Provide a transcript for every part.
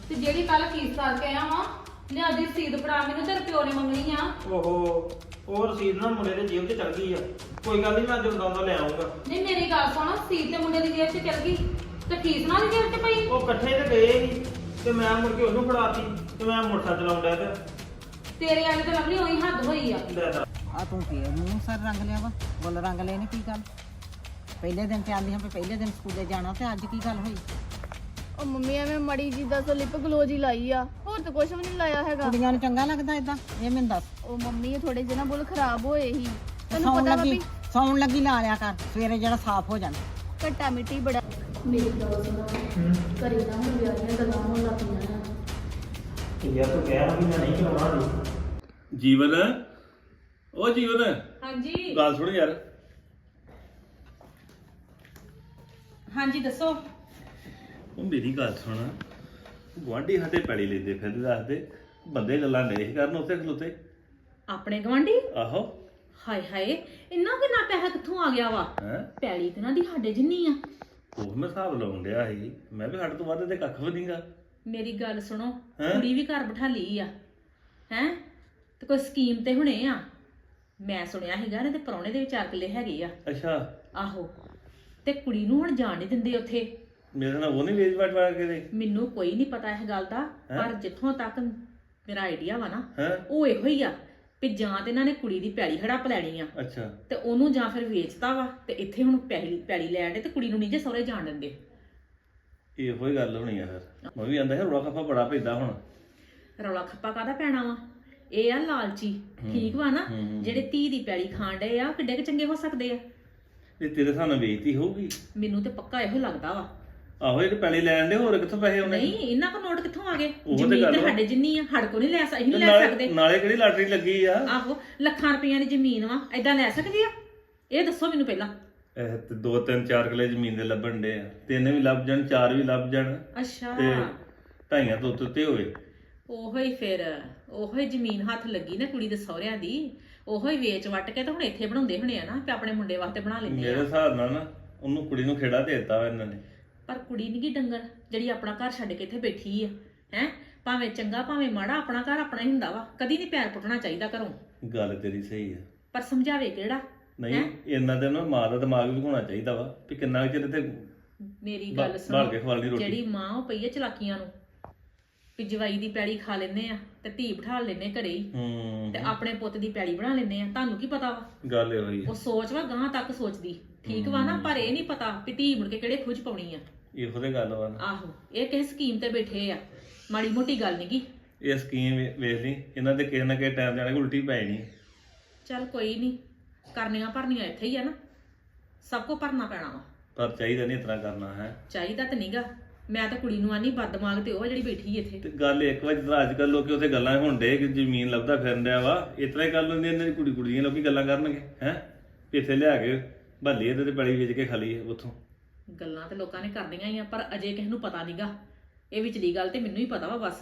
ਤੇ ਜਿਹੜੀ ਕੱਲ ਫੀਸ ਕਰਕੇ ਆਇਆ ਵਾਂ ਲਿਆ ਦੀ ਰਸੀਦ ਫੜਾ ਮੈਨੂੰ ਤੇਰੇ ਪਿਓ ਨੇ ਮੰਗਣੀ ਆ। ਓਹੋ ਉਹ ਰਸੀਦ ਨਾ ਮੁੰਡੇ ਦੇ ਜੇਬ 'ਚ ਚਲ ਗਈ ਆ। ਕੋਈ ਗੱਲ ਨਹੀਂ ਮੈਂ ਜਦੋਂ ਲੈ ਆਉਂਗਾ। ਨਹੀਂ ਮੇਰੀ ਗੱਲ ਸੁਣ ਰਸੀਦ ਤੇ ਮੁੰਡੇ ਦੀ ਜੇਬ 'ਚ ਚਲ ਗਈ ਤੇ ਫੀਸ ਨਾਲ ਦੀ ਜੇਬ 'ਚ ਪਈ। ਉਹ ਇਕੱਠੇ ਤੇ ਗਏ ਸੀ ਤੇ ਮੈਂ ਮੁੜ ਕੇ ਉਹਨੂੰ ਫੜਾਤੀ ਤੇ ਮੈਂ ਮੋਟਰਸਾਈਕਲ ਚਲਾਉਣ ਡਿਆ ਤੇ ਤੇਰੇ ਵਾਲੇ ਤੇ ਲਵਲੀ ਉਹੀ ਹੱਦ ਹੋਈ ਆ। ਲੈ ਦੱਸ। ਆ ਤੂੰ ਫੇਰ ਮੂੰਹ ਸਰ ਰੰਗ ਲਿਆ ਵਾ ਬੁੱਲ ਰੰਗ ਲਏ ਨੇ ਕੀ ਗੱਲ ਪਹਿਲੇ ਦਿਨ ਤੇ ਆਂਦੀ ਹਾਂ ਵੀ ਪਹਿਲੇ ਦਿਨ ਸਕੂਲੇ ਜਾਣਾ ਤੇ ਅੱਜ ਕੀ ਗੱਲ ਹੋਈ ਉਹ ਮੰਮੀ ਐਵੇਂ ਮੜੀ ਜੀ ਦਾ ਲਿਪ ਗਲੋਜ ਹੀ ਲਾਈ ਆ ਹੋਰ ਤਾਂ ਕੁਝ ਵੀ ਨਹੀਂ ਲਾਇਆ ਹੈਗਾ। ਕੁੜੀਆਂ ਨੂੰ ਚੰਗਾ ਲੱਗਦਾ ਇਦਾਂ ਇਹ ਮੈਨੂੰ ਦੱਸ ਉਹ ਮੰਮੀ ਥੋੜੇ ਜਿਹੇ ਨਾ ਬੁੱਲ ਖਰਾਬ ਹੋਏ ਸੀ ਤੈਨੂੰ ਸੌਣ ਪਤਾ ਲੱਗੀ ਵਾ ਸੌਣ ਲੱਗੀ ਲਾ ਲਿਆ ਕਰ ਸਵੇਰੇ ਜਿਹੜਾ ਸਾਫ਼ ਹੋ ਜਾਂਦਾ ਘੱਟਾ ਮਿੱਟੀ ਬੜਾ ਮੇਰੀ ਗੱਲ ਸੁਣੋ ਘਰੇ ਨਾ ਹੁਣ ਵਿਆਹ ਦੀਆਂ ਗੱਲਾਂ ਹੋਣ ਲੱਗ ਪਈਆਂ ਯਾਰ ਤੂੰ ਕਹਿ ਵੀ ਮੈਂ ਨਹੀਂ ਕਰਾਉਣਾ ਜੀ। ਜੀਵਨ ਉਹ ਜੀਵਨ ਹਾਂਜੀ ਗੱਲ ਸੁਣ ਯਾਰ। ਹਾਂਜੀ ਦੱਸੋ। ਉਹ ਮੇਰੀ ਗੱਲ ਸੁਣ ਗੁਆਂਢੀ ਸਾਡੇ ਪੈਲੀ ਲੈਂਦੇ ਫਿਰਦੇ ਦੱਸਦੇ ਬੰਦੇ ਗੱਲਾਂ ਨਹੀਂ ਕਰਨ ਉੱਥੇ ਖਲੋਤੇ। ਆਪਣੇ ਗਵਾਂਢੀ ਆਹੋ ਹਾਏ ਹਾਏ ਇੰਨਾ ਕਿੰਨਾ ਪੈਸਾ ਕਿੱਥੋਂ ਆ ਗਿਆ ਵਾ। ਹੈ ਪੈਲੀ ਤੇ ਨਾ ਦੀ ਸਾਡੇ ਜਿੰਨੀ ਆ। ਉਹ ਮੈਂ ਹਿਸਾਬ ਲਾਉਣ ਡਿਆ ਸੀ ਮੈਂ ਵੀ ਸਾਡੇ ਤੋਂ ਵੱਧ ਤੇ ਕੱਖ ਵੀ ਨਹੀਂਗਾ। ਮੇਰੀ ਗੱਲ ਸੁਣੋ ਹੈਂ? ਕੁੜੀ ਵੀ ਘਰ ਬਿਠਾ ਲਈ ਆ ਹੈ ਤੇ ਕੋਈ ਸਕੀਮ ਤੇ ਹੁਣੇ ਆ। ਮੈਂ ਸੁਣਿਆ ਹੈਗਾ ਨੇ ਤੇ ਪ੍ਰਾਹੁਣੇ ਦੇ ਵਿਚਾਰ ਕਿੱਲੇ ਹੈਗੇ ਆ। ਅੱਛਾ ਆਹੋ ਤੇ ਕੁੜੀ ਨੂੰ ਹੁਣ ਜਾਣ ਨਹੀਂ ਦਿੰਦੇ ਉੱਥੇ। ਮੇਰੇ ਨਾਲ ਉਹ ਨਹੀਂ ਵੇਚ ਵਟਵਾ ਕੇ ਦੇ। ਮੈਨੂੰ ਕੋਈ ਨਹੀਂ ਪਤਾ ਇਹ ਗੱਲ ਦਾ ਹੈਂ? ਪਰ ਜਿੱਥੋਂ ਤੱਕ ਮੇਰਾ ਆਈਡੀਆ ਵਾ ਨਾ ਹੈ ਉਹ ਇਹੋ ਹੀ ਆ ਵੀ ਜਾਂ ਤੇ ਇਹਨਾਂ ਨੇ ਕੁੜੀ ਦੀ ਪੈਲੀ ਹੜੱਪ ਲੈਣੀ ਆ ਅੱਛਾ ਤੇ ਉਹਨੂੰ ਜਾਂ ਫਿਰ ਵੇਚਤਾ ਵਾ ਤੇ ਇੱਥੇ ਹੁਣ ਪੈਲੀ ਲੈਣ ਦੇ ਤੇ ਕੁੜੀ ਨੂੰ ਨਹੀਂ ਜੇ ਸਹੁਰੇ ਜਾਣ ਦਿੰਦੇ। ਇਹੋ ਹੀ ਗੱਲ ਹੋਣੀ ਆ ਫਿਰ ਮੈਂ ਵੀ ਆਂਦਾ ਹੈ ਰੋਲਾ ਖੱਪਾ ਬੜਾ ਪੈਂਦਾ ਹੁਣ। ਰੌਲਾ ਖੱਪਾ ਕਾਹਦਾ ਪੈਣਾ ਵਾ ਇਹ ਆ ਲਾਲਚੀ ਠੀਕ ਵਾ ਨਾ ਜਿਹੜੇ ਧੀ ਦੀ ਪੈਲੀ ਖਾਣ ਡਏ ਆ ਕਿੱਡੇ ਕੁ ਚੰਗੇ ਹੋ ਸਕਦੇ ਆ। ਇਹ ਤੇਰੇ ਸਾਹਮਣੇ ਵੇਚਤੀ ਹੋਊਗੀ। ਮੈਨੂੰ ਤੇ ਪੱਕਾ ਇਹੋ ਲੱਗਦਾ ਵਾ। ਆਹੋ ਇਹ ਪੈਲੀ ਲੈਣ ਦੇ ਹੋਰ ਕਿੱਥੋਂ ਪੈਸੇ ਆਉਣੇ। ਨਹੀਂ ਇਹਨਾਂ ਕੋ ਨੋਟ ਕਿੱਥੋਂ ਆ ਗਏ ਉਹ ਤੇ ਜ਼ਮੀਨ ਗੱਲ ਤੇ ਵਾ। ਸਾਡੇ ਜਿੰਨੀ ਆ ਹੜ ਕੋ ਨਹੀਂ ਲੈ ਅਸੀਂ ਨਹੀਂ ਲੈ ਨਾਲੇ ਸਕਦੇ। ਨਾਲੇ ਕਿਹੜੀ ਲਾਟਰੀ ਲੱਗੀ ਆ। ਆਹੋ ਲੱਖਾਂ ਰੁਪਈਆਂ ਦੀ ਜ਼ਮੀਨ ਵਾ ਐਦਾਂ ਲੈ ਸਕਦੀ ਆ ਇਹ ਦੱਸੋ ਮੈਨੂੰ ਪਹਿਲਾਂ। ਇਹ ਤੇ 2-3-4 ਕਿੱਲੇ ਜ਼ਮੀਨ ਦੇ ਲੱਭਣ ਡੇ ਆ। ਤਿੰਨ ਵੀ ਲੱਭ ਜਾਣ 4 ਵੀ ਲੱਭ ਜਾਣ ਅੱਛਾ ਤੇ ਢਾਈਆਂ ਤੋਂ ਉੱਤੇ ਹੋਵੇ। ਉਹੋ ਹੀ ਫਿਰ ਉਹੋ ਹੀ ਜ਼ਮੀਨ ਹੱਥ ਲੱਗੀ ਨਾ ਕੁੜੀ ਦੇ ਸਹੁਰਿਆਂ ਦੀ ਉਹੋ ਹੀ ਵੇਚ ਵੱਟ ਕੇ ਤਾਂ ਹੁਣ ਇੱਥੇ ਬਣਾਉਂਦੇ ਹੋਣੇ ਆ ਨਾ ਕਿ ਆਪਣੇ ਮੁੰਡੇ ਵਾਸਤੇ ਬਣਾ ਲੈਂਦੇ ਮੇਰੇ ਆ। ਹਿਸਾਬ ਨਾਲ ਨਾ ਉਹਨੂੰ ਕੁੜੀ ਨੂੰ ਖੇੜਾ ਦੇ ਦਿੱਤਾ ਵਾ ਇਹਨਾਂ ਨੇ। ਪਰ ਕੁੜੀ ਨੀ ਗੀ ਡੰਗਰ ਜਿਹੜੀ ਆਪਣਾ ਘਰ ਛੱਡ ਕੇ ਇੱਥੇ ਬੈਠੀ ਆ ਹੈ ਭਾਵੇਂ ਚੰਗਾ ਭਾਵੇਂ ਮਾੜਾ ਆਪਣਾ ਘਰ ਆਪਣਾ ਹੀ ਹੁੰਦਾ ਵਾ ਕਦੀ ਨਹੀਂ ਪੈਰ ਪੁੱਟਣਾ ਚਾਹੀਦਾ ਘਰੋਂ। ਗੱਲ ਤੇਰੀ ਸਹੀ ਆ। ਪਰ ਸਮਝਾਵੇ ਕਿਹੜਾ। ਨਹੀਂ ਇਹਨਾਂ ਦੇ ਨਾ ਮਾਂ ਦਾ ਦਿਮਾਗ ਵੀ ਹੋਣਾ ਚਾਹੀਦਾ ਵਾ ਵੀ ਕਿੰਨਾ ਚਿਰ ਤੇ ਮੇਰੀ ਗੱਲ ਬਾਲ ਸੁਣ ਕੇ ਖਵਾਲਣੀ ਰੋਟੀ। ਜਿਹੜੀ ਮਾਂ ਉਹ ਪਈ ਆ ਚਲਾਕੀਆਂ ਨੂੰ ਵੀ ਜਵਾਈ ਦੀ ਪੈਲੀ ਖਾ ਲੈਨੇ ਆ ਤੇ ਧੀ ਬਿਠਾ ਲੈਨੇ ਘਰੇ ਹੀ ਤੇ ਆਪਣੇ ਪੁੱਤ ਦੀ ਪੈਲੀ ਬਣਾ ਲੈਨੇ ਆ। ਤੁਹਾਨੂੰ ਕੀ ਪਤਾ ਵਾ ਗੱਲ ਇਹੋ ਹੀ ਉਹ ਸੋਚ ਵਾ ਗਾਂ ਤੱਕ ਸੋਚਦੀ ਠੀਕ ਵਾ ਨਾ ਪਰ ਇਹ ਨਹੀਂ ਪਤਾ ਵੀ ਧੀ ਮੁੜ ਕੇ ਕਿਹੜੇ ਖੁਜ ਪਾਉਣੀ ਆ। ਇਹੋ ਤੇ ਗੱਲ ਵਾ ਨਾ। ਆਹੋ ਇਹ ਕਿਸੇ ਸਕੀਮ ਤੇ ਬੈਠੇ ਆ ਮਾੜੀ ਮੋਟੀ ਗੱਲ ਨੀ ਗੀ। ਇਹ ਸਕੀਮ ਵੇਖ ਲਈ ਇਹਨਾਂ ਦੇ ਕਿਸੇ ਨਾ ਕਿਸੇ ਟਾਈਮ ਜਾਣੇ ਉਲਟੀ ਪੈ ਜਾਣੀ। ਚੱਲ ਕੋਈ ਨਹੀਂ ਕਰਨੀਆਂ ਭਰਨੀਆਂ ਇੱਥੇ ਹੀ ਆ ਨਾ ਸਭ ਕੋ ਭਰਨਾ ਪੈਣਾ ਵਾ। ਪਰ ਚਾਹੀਦਾ ਨਹੀਂ ਇਤਨਾ ਕਰਨਾ ਹੈ। ਚਾਹੀਦਾ ਤਾਂ ਨਹੀਂਗਾ ਮੈਂ ਤਾਂ ਕੁੜੀ ਨੂੰ ਆਨੀ ਬਦਮਾਗ ਤੇ ਉਹ ਜਿਹੜੀ ਬੈਠੀ ਇੱਥੇ। ਤੇ ਗੱਲ ਇੱਕ ਵਾਰ ਜਦੋਂ ਅੱਜ ਕੱਲ ਲੋਕੀ ਉੱਥੇ ਗੱਲਾਂ ਹੁੰਦੇ ਕਿ ਜ਼ਮੀਨ ਲੱਭਦਾ ਫਿਰਨ ਡਿਆ ਵਾ ਇਤਨਾ ਹੀ ਕਰ ਲੈਂਦੇ ਇਹਨਾਂ ਦੀ ਕੁੜੀ ਕੁੜੀਆਂ ਲੋਕੀ ਗੱਲਾਂ ਕਰਨਗੇ ਹੈ ਇੱਥੇ ਲਿਆ ਕੇ ਭੱਲੀ ਇਹਦੇ ਤੇ ਪੈਲੀ ਵੇਚ ਕੇ ਖਾਲੀ ਉੱਥੋਂ। ਗੱਲਾਂ ਤੇ ਲੋਕਾਂ ਨੇ ਕਰਦੀਆਂ ਹੀ ਆ ਪਰ ਅਜੇ ਕਿਸੇ ਨੂੰ ਪਤਾ ਨਹੀਂਗਾ ਇਹ ਵਿਚਲੀ ਗੱਲ ਤੇ ਮੈਨੂੰ ਹੀ ਪਤਾ ਵਾ ਬਸ।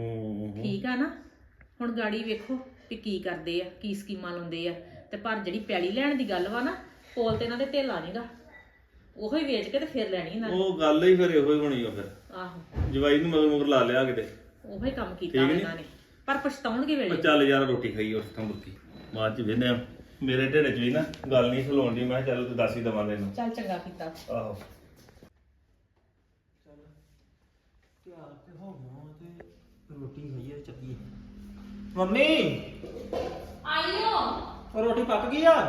ਠੀਕ ਆ ਨਾ ਹੁਣ ਗਾੜੀ ਵੇਖੋ ਵੀ ਕੀ ਕਰਦੇ ਆ ਕੀ ਸਕੀਮਾਂ ਲਾਉਂਦੇ ਆ ਤੇ ਪਰ ਜਿਹੜੀ ਪੈਲੀ ਲੈਣ ਦੀ ਗੱਲ ਵਾ ਨਾ ਕੋਲ ਤੇ ਇਹਨਾਂ ਦੇ ਢੇਲਾ ਨਹੀਂਗਾ ਉਹੋ ਹੀ ਵੇਚ ਕੇ ਤੇ ਫਿਰ ਲੈਣੀ ਇਹਨਾਂ ਨੇ। ਉਹ ਗੱਲ ਹੀ ਫਿਰ ਇਹੋ ਹੀ ਹੋਣੀ ਉਹ ਫਿਰ ਆਹੋ ਜਵਾਈ ਨੂੰ ਮਗਰ ਮਗਰ ਲਾ ਲਿਆ ਕਿਤੇ। ਉਹੋ ਹੀ ਕੰਮ ਕੀਤਾ ਇਹਨਾਂ ਨੇ ਪਰ ਪਛਤਾਉਣਗੇ ਵੇਲੇ। ਚੱਲ ਯਾਰ ਰੋਟੀ ਖਾਈ ਉਸ ਤੋਂ ਮੁੱਕੀ ਬਾਅਦ ਚ ਵੇਨੇ ਮੇਰੇ ਢਿੱਡ ਚ ਵੀ ਨਾ ਗੱਲ ਨਹੀਂ ਖਲੋਣ ਦੀ ਮੈਂ ਕਿਹਾ ਚੱਲ ਤੂੰ ਦੱਸ ਹੀ ਦਵਾਂ ਤੈਨੂੰ। ਚੱਲ ਚੰਗਾ ਕੀਤਾ। ਆਹੋ ਤਿਆਰ ਤੇ ਹੋ ਗਿਆ ਤੇ ਰੋਟੀ ਖਾਈਏ ਚੱਲੀਏ। ਮੰਮੀ ਆਈਓ ਉਹ ਰੋਟੀ ਪੱਕ ਗਈ ਆ।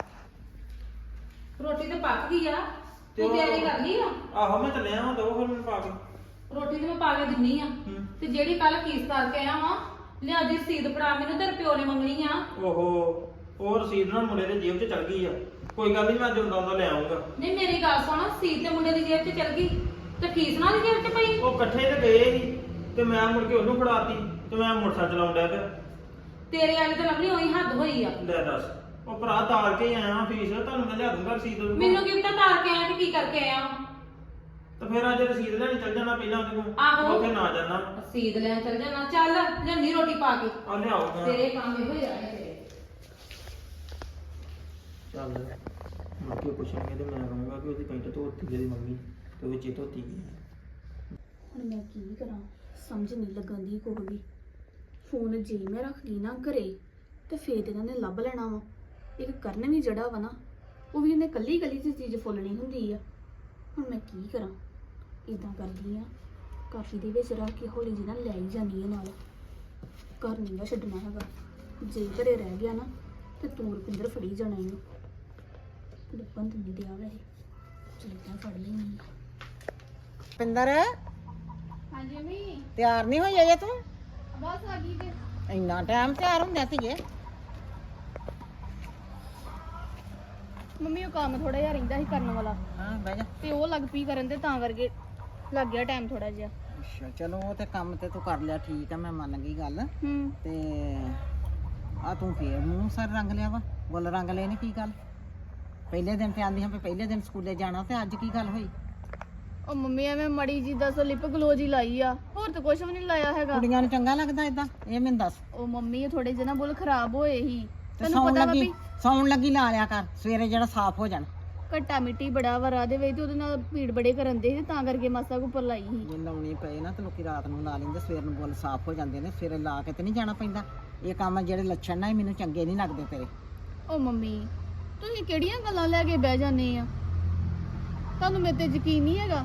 ਰੋਟੀ ਤੇ ਪੱਕ ਗਈ ਆ ਤੇ ਤੂੰ ਤਿਆਰੀ ਕਰ ਲਈ ਆ। ਆਹੋ ਮੈਂ ਚੱਲਿਆ ਹਾਂ ਦੋ ਫਿਰ ਮੈਨੂੰ ਪਾ ਕੇ। ਰੋਟੀ ਤੇ ਮੈਂ ਪਾ ਕੇ ਦਿੰਨੀ ਆ ਤੇ ਜਿਹੜੀ ਕੱਲ ਫੀਸ ਕਰਕੇ ਆਇਆ ਵਾਂ ਲਿਆ ਦੀ ਰਸੀਦ ਫੜਾ ਮੈਨੂੰ ਤੇਰੇ ਪਿਓ ਨੇ ਮੰਗਣੀ ਆ। ਓਹੋ ਉਹ ਰਸੀਦ ਨਾ ਮੁੰਡੇ ਦੇ ਜੇਬ 'ਚ ਚਲ ਗਈ ਆ। ਕੋਈ ਗੱਲ ਨਹੀਂ ਮੈਂ ਜਦੋਂ ਲੈ ਆਉਂਗਾ। ਨਹੀਂ ਮੇਰੀ ਗੱਲ ਸੁਣ ਰਸੀਦ ਤੇ ਮੁੰਡੇ ਦੀ ਜੇਬ 'ਚ ਚਲ ਗਈ ਤੇ ਫੀਸ ਨਾਲ ਦੀ ਜੇਬ 'ਚ ਪਈ। ਉਹ ਇਕੱਠੇ ਤੇ ਗਏ ਸੀ ਤੇ ਮੈਂ ਮੁੜ ਕੇ ਉਹਨੂੰ ਫੜਾਤੀ ਤੇ ਮੈਂ ਮੋਟਰਸਾਈਕਲ ਚਲਾਉਣ ਡਿਆ ਤੇ ਤੇਰੇ ਵਾਲੇ ਤੇ ਲਵਲੀ ਉਹੀ ਹੱਦ ਹੋਈ ਆ। ਲੈ ਦੱਸ ਉਹ ਭਰਾ ਤਾਲ ਕੇ ਆਇਆ ਫੀਸ ਤੁਹਾਨੂੰ ਮੈਂ ਲਿਆ ਦੂੰਗਾ ਰਸੀਦ ਉਹਦੇ ਕੋਲ। ਮੈਨੂੰ ਕੀ ਪਤਾ ਤਾਰ ਕੇ ਆਇਆ ਤੇ ਕੀ ਕਰਕੇ ਆਇਆ। ਤੇ ਫਿਰ ਅੱਜ ਰਸੀਦ ਲੈਣ ਚੱਲ ਜਾਣਾ ਪਹਿਲਾਂ ਉਹਦੇ ਕੋਲ। ਆਹੋ। ਉੱਥੇ ਨਾ ਜਾਣਾ। ਰਸੀਦ ਲੈਣ ਚਲ ਜਾਣਾ ਚੱਲ ਲਿਆਂਦੀ ਰੋਟੀ ਪਾ ਕੇ ਆ ਲਿਆਉਗਾ। ਤੇਰੇ ਕੰਮ ਇਹੋ ਹੀ ਰਹਿਣੇ ਤੇਰੇ। ਚੱਲ ਮੁੜ ਕੇ ਪੁੱਛਣਗੇ ਤੇ ਮੈਂ ਕਹਾਂਗਾ ਕਿ ਉਹਦੀ ਪੈਂਟ ਧੋਤੀ ਜਿਹੜੀ ਮੰਮੀ ਤੇ ਵਿੱਚ ਹੀ ਧੋਤੀ ਗਈ। ਹੁਣ ਮੈਂ ਕੀ ਕਰਾਂ ਸਮਝ ਨਹੀਂ ਲੱਗਣ ਦੀ ਕੋਈ ਵੀ। ਫੋਨ ਜੇ ਮੈਂ ਰੱਖ ਗਈ ਨਾ ਘਰੇ ਤੇ ਫੇਰ ਇਹਨਾਂ ਨੇ ਲੱਭ ਲੈਣਾ ਵਾ। ਇੱਕ ਕਰਨ ਵੀ ਜੜਾ ਵਾ ਨਾ, ਉਹ ਵੀ ਇਹਨੇ ਕੱਲੀ ਕੱਲੀ ਦੀ ਚੀਜ਼ ਫੁੱਲਣੀ ਹੁੰਦੀ ਆ। ਹੁਣ ਮੈਂ ਕੀ ਕਰਾਂ? ਇਦਾਂ ਕਰਦੀ ਆ, ਕਾਫੀ ਦੇ ਵਿੱਚ ਰੱਖ ਕੇ ਹੌਲੀ ਜਿਹੀ ਨਾ ਲੈ ਹੀ ਜਾਂਦੀ ਆ ਨਾਲ। ਘਰ ਨਹੀਂ ਗਾ ਛੱਡਣਾ ਹੈਗਾ। ਜੇ ਘਰੇ ਰਹਿ ਗਿਆ ਨਾ ਤੇ ਤੂੰ ਰੁਪਿੰਦਰ ਫੜੀ ਜਾਣਾ ਇਹਨੂੰ। ਲੱਭਣ ਤੇ ਨਹੀਂ ਦਿਆ ਵੈਸੇ, ਚਲਦਾ ਫੜ ਲੈਣੀ। ਪਿੰਦਰ ਹਾਂਜੀ ਮੰਮੀ, ਤਿਆਰ ਨਹੀਂ ਹੋਈ ਅਜੇ ਤੂੰ? ਬਸ ਆ ਗਈ ਤੇ ਇੰਨਾ ਟਾਈਮ ਤਿਆਰ ਹੁੰਦਾ ਸੀਗੇ? ਮੰਮੀ ਉਹ ਕੰਮ ਥੋੜਾ ਜਿਹਾ ਰਹਿੰਦਾ ਸੀ ਕਰਨ ਵਾਲਾ ਹਾਂ ਬਹਿ ਜਾ। ਤੇ ਉਹ ਲੱਗ ਪਈ ਕਰਨ ਤੇ ਤਾਂ ਕਰਕੇ ਲੱਗ ਗਿਆ ਟਾਈਮ ਥੋੜਾ ਜਿਹਾ। ਅੱਛਾ ਚਲੋ ਉਹ ਤੇ ਕੰਮ ਤੇ ਤੂੰ ਕਰ ਲਿਆ, ਠੀਕ ਆ, ਮੈਂ ਮੰਨ ਗਈ ਗੱਲ। ਤੇ ਆ ਤੂੰ ਫੇਰ ਮੂੰਹ ਸਰ ਰੰਗ ਲਿਆ ਵਾ, ਬੁੱਲ ਰੰਗ ਲਏ ਨੇ, ਕੀ ਗੱਲ? ਪਹਿਲੇ ਦਿਨ ਤੇ ਆਂਦੀ ਹਾਂ ਵੀ ਪਹਿਲੇ ਦਿਨ ਸਕੂਲੇ ਜਾਣਾ, ਤੇ ਅੱਜ ਕੀ ਗੱਲ ਹੋਈ? ਉਹ ਮੰਮੀ ਐਵੇਂ ਮੜੀ ਜੀ ਦੱਸੋ ਲਿਪ ਗਲੋਜ ਹੀ ਲਾਈ ਆ, ਹੋਰ ਤਾਂ ਕੁਝ ਵੀ ਨਹੀਂ ਲਾਇਆ ਹੈਗਾ। ਕੁੜੀਆਂ ਨੂੰ ਚੰਗਾ ਲੱਗਦਾ ਇਦਾਂ? ਇਹ ਮੈਨੂੰ ਦੱਸ। ਉਹ ਮੰਮੀ ਥੋੜੇ ਜਿਹੇ ਨਾ ਬੁੱਲ ਖਰਾਬ ਹੋਏ ਸੀ, ਤੇ ਤੈਨੂੰ ਸੌਣ ਪਤਾ ਵਾ ਲੱਗੀ ਵੀ ਸੌਣ ਲੱਗੀ ਲਾ ਲਿਆ ਕਰ, ਸਵੇਰੇ ਜਿਹੜਾ ਸਾਫ਼ ਹੋ ਜਾਣ। ਘੱਟਾ ਮਿੱਟੀ ਬੜਾ ਵਰਾ ਦੇ ਵਿੱਚ ਤੇ ਉਹਦੇ ਨਾਲ ਪੀੜ ਬੜੇ ਕਰਨ ਦੇ ਸੀ, ਤਾਂ ਕਰਕੇ ਮਾਸਾ ਕੋ ਉੱਪਰ ਲਾਈ ਸੀ। ਜੇ ਲਾਉਣੀ ਪਏ ਨਾ ਤੇ ਲੋਕੀ ਰਾਤ ਨੂੰ ਲਾ ਲੈਂਦੇ, ਸਵੇਰ ਨੂੰ ਬੁੱਲ ਸਾਫ਼ ਹੋ ਜਾਂਦੇ ਨੇ, ਸਵੇਰੇ ਲਾ ਕੇ ਤੇ ਨਹੀਂ ਜਾਣਾ ਪੈਂਦਾ। ਇਹ ਕੰਮ ਜਿਹੜੇ ਲੱਛਣ ਨਾ ਇਹ ਮੈਨੂੰ ਚੰਗੇ ਨਹੀਂ ਲੱਗਦੇ ਤੇਰੇ। ਉਹ ਮੰਮੀ ਤੁਸੀਂ ਕਿਹੜੀਆਂ ਗੱਲਾਂ ਲੈ ਕੇ ਬਹਿ ਜਾਂਦੇ ਆ? ਤੁਹਾਨੂੰ ਮੇਰੇ ਤੇ ਯਕੀਨ ਨਹੀਂ ਹੈਗਾ?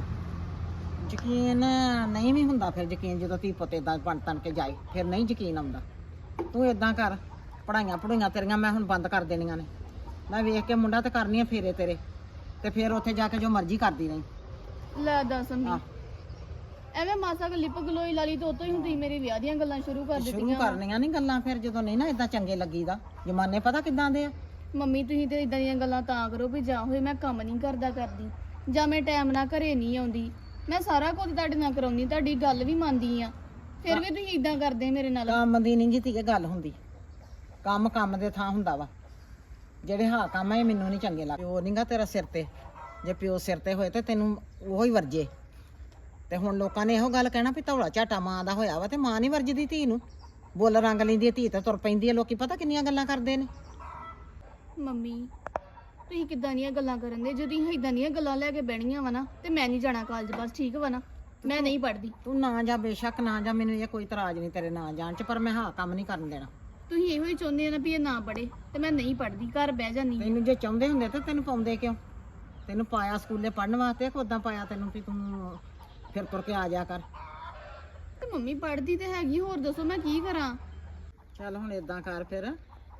ਯਕੀਨ ਨਹੀਂ ਵੀ ਹੁੰਦਾ ਫਿਰ ਯਕੀਨ, ਜਦੋਂ ਧੀ ਪੁੱਤ ਏਦਾਂ ਬਣ ਤਣ ਕੇ ਜਾਏ ਫਿਰ ਨਹੀਂ ਯਕੀਨ ਆਉਂਦਾ। ਤੂੰ ਏਦਾਂ ਕਰ, ਪੜ੍ਹਾਈਆਂ ਤੇਰੀਆਂ ਮੈਂ ਹੁਣ ਬੰਦ ਕਰ ਦੇਣੀਆਂ ਨੇ। ਮੈਂ ਵੇਖ ਕੇ ਮੁੰਡਾ ਤੇ ਕਰਨੀ ਆ ਫੇਰੇ ਤੇਰੇ, ਤੇ ਫਿਰ ਉੱਥੇ ਜਾ ਕੇ ਜੋ ਮਰਜ਼ੀ ਕਰਦੀ ਰਹੀ। ਲੈ ਦੱਸ ਆਹ। ਮੰਮੀ, ਐਵੇਂ ਮਾਸਾ ਕੋ ਲਿਪ ਗਲੋਈ ਲਾ ਲਈ ਤੇ ਉਤੋਂ ਹੀ ਹੁਣ ਤੁਸੀਂ ਮੇਰੇ ਵਿਆਹ ਦੀਆਂ ਗੱਲਾਂ ਸ਼ੁਰੂ ਕਰ ਸ਼ੁਰੂ ਦਿੱਤੀਆਂ। ਕਰਨੀਆਂ ਨਹੀਂ ਗੱਲਾਂ ਫਿਰ, ਜਦੋਂ ਨਹੀਂ ਨਾ ਏਦਾਂ ਚੰਗੇ ਲੱਗੀਦਾ। ਜਮਾਨੇ ਪਤਾ ਕਿੱਦਾਂ ਦੇ ਆ। ਮੰਮੀ ਤੁਸੀਂ ਤੇ ਇਦਾਂ ਦੀਆਂ ਗੱਲਾਂ ਤਾਂ ਕਰੋ ਵੀ ਜਾਂ ਹੋਏ ਮੈਂ ਕੰਮ ਨਹੀਂ ਕਰਦੀ, ਜਾਂ ਮੈਂ ਟਾਈਮ ਨਾਲ ਘਰੇ ਨਹੀਂ ਆਉਂਦੀ। ਮੈਂ ਸਾਰਾ ਕੁਝ ਤੁਹਾਡੇ ਨਾਲ ਕਰਾਉਣੀ, ਤੁਹਾਡੀ ਗੱਲ ਵੀ ਮੰਨਦੀ ਆ, ਫਿਰ ਵੀ ਤੁਸੀਂ ਇਦਾਂ ਕਰਦੇ ਮੇਰੇ ਨਾਲ। ਕੰਮ ਦੀ ਨਹੀਂ ਜੀ ਧੀਏ ਗੱਲ ਹੁੰਦੀ, ਕੰਮ ਕੰਮ ਦੇ ਥਾਂ ਹੁੰਦਾ ਵਾ। ਜਿਹੜੇ ਹਾਂ ਕੰਮ ਆ ਇਹ ਮੈਨੂੰ ਨਹੀਂ ਚੰਗੇ ਲੱਗਦੇ। ਪਿਓ ਨਹੀਂਗਾ ਤੇਰਾ ਸਿਰ ਤੇ, ਜੇ ਪਿਓ ਸਿਰ ਤੇ ਹੋਏ ਤੇ ਤੈਨੂੰ ਉਹੀ ਵਰਜੇ। ਤੇ ਹੁਣ ਲੋਕਾਂ ਨੇ ਇਹੋ ਗੱਲ ਕਹਿਣਾ ਵੀ ਧੌਲਾ ਝਾਟਾ ਮਾਂ ਦਾ ਹੋਇਆ ਵਾ, ਤੇ ਮਾਂ ਨਹੀਂ ਵਰਜਦੀ ਧੀ ਨੂੰ। ਬੁੱਲ ਰੰਗ ਲੈਂਦੀ ਹੈ ਧੀ ਤੇ ਤੁਰ ਪੈਂਦੀ ਹੈ, ਲੋਕੀ ਪਤਾ ਕਿੰਨੀਆਂ ਗੱਲਾਂ ਕਰਦੇ ਨੇ। ਮੰਮੀ ਤੁਸੀਂ ਕਿੱਦਾਂ ਦੀਆਂ ਗੱਲਾਂ ਕਰਨ ਦੇ? ਜਦੋਂ ਤੁਸੀਂ ਇਦਾਂ ਦੀਆਂ ਗੱਲਾਂ ਲੈ ਕੇ ਬਹਿਣੀਆਂ ਵਾ ਨਾ ਤੇ ਮੈਂ ਨਹੀਂ ਜਾਣਾ ਕਾਲਜ, ਬਸ ਠੀਕ ਵਾ ਨਾ? ਮੈਂ ਨਹੀਂ ਪੜ੍ਹਦੀ। ਤੂੰ ਨਾ ਜਾ, ਬੇਸ਼ੱਕ ਨਾ ਜਾ, ਮੈਨੂੰ ਇਹ ਕੋਈ ਇਤਰਾਜ਼ ਨਹੀਂ ਤੇਰੇ ਨਾ ਜਾਣ ਚ, ਪਰ ਮੈਂ ਹਾਂ ਕੰਮ ਨਹੀਂ ਕਰਨ ਦੇਣਾ। ਤੁਸੀਂ ਇਹੋ ਹੀ ਚਾਹੁੰਦੇ ਆ ਨਾ ਵੀ ਇਹ ਨਾ ਪੜ੍ਹੇ, ਤੇ ਮੈਂ ਨਹੀਂ ਪੜ੍ਹਦੀ, ਘਰ ਬਹਿ ਜਾਂਦੀ। ਤੈਨੂੰ ਜੇ ਚਾਹੁੰਦੇ ਹੁੰਦੇ ਤਾਂ ਤੈਨੂੰ ਪਾਉਂਦੇ ਕਿਉਂ? ਤੈਨੂੰ ਪਾਇਆ ਸਕੂਲੇ ਪੜ੍ਹਨ ਵਾਸਤੇ, ਉਦਾਂ ਪਾਇਆ ਤੈਨੂੰ ਵੀ ਤੂੰ ਫਿਰ ਤੁਰ ਕੇ ਆ ਜਾ ਕਰ। ਤੇ ਮੰਮੀ ਪੜ੍ਹਦੀ ਤੇ ਹੈਗੀ, ਹੋਰ ਦੱਸੋ ਮੈਂ ਕੀ ਕਰਾਂ? ਚੱਲ ਹੁਣ ਏਦਾਂ ਕਰ ਫਿਰ,